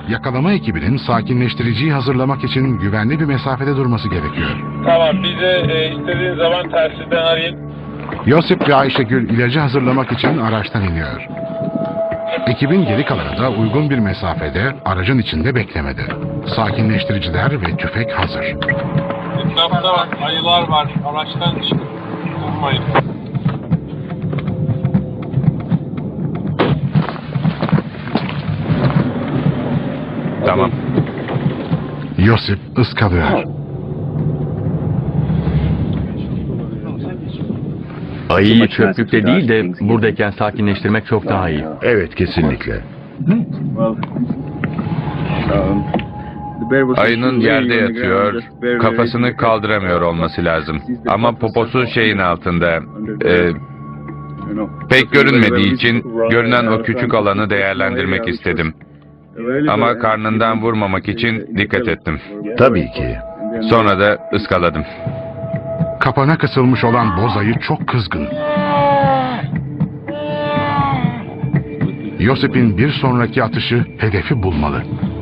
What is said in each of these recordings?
yakalama ekibinin sakinleştiriciyi hazırlamak için güvenli bir mesafede durması gerekiyor. Tamam, bize istediğin zaman telsizden arayın. Yosip ve Ayşegül ilacı hazırlamak için araçtan iniyor. Ekibin geri kalanı da uygun bir mesafede aracın içinde beklemedi. Sakinleştiriciler ve tüfek hazır. Etrafta bak, ayılar var. Araçtan çıkıp durmayın. Tamam. Yosip ıskalıyor. Ayıyı çöplükte değil de buradayken sakinleştirmek çok daha iyi. Evet, kesinlikle. Ayının yerde yatıyor, kafasını kaldıramıyor olması lazım. Ama poposu şeyin altında. Pek görünmediği için görünen o küçük alanı değerlendirmek istedim. Ama karnından vurmamak için dikkat ettim. Tabii ki. Sonra da ıskaladım. Kapana kısılmış olan boz ayı çok kızgın. Yosip'in bir sonraki atışı hedefi bulmalı.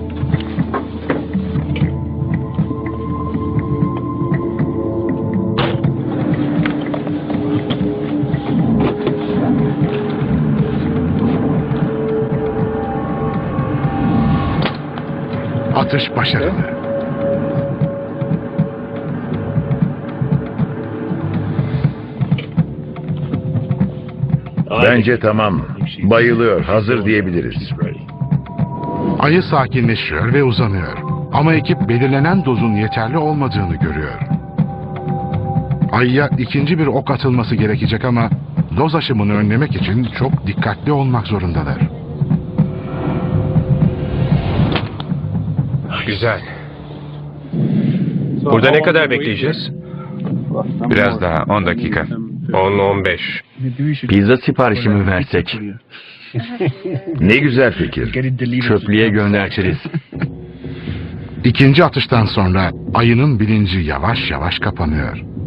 Atış başarılı. Bence tamam. Bayılıyor, hazır diyebiliriz. Ayı sakinleşiyor ve uzanıyor. Ama ekip belirlenen dozun yeterli olmadığını görüyor. Ayıya ikinci bir ok atılması gerekecek ama doz aşımını önlemek için çok dikkatli olmak zorundalar. Güzel. Burada ne kadar bekleyeceğiz? Biraz daha, 10 dakika. 10-15. Pizza siparişi mi versek? Ne güzel fikir. Çöplüğe göndertiriz. İkinci atıştan sonra ayının bilinci yavaş yavaş kapanıyor.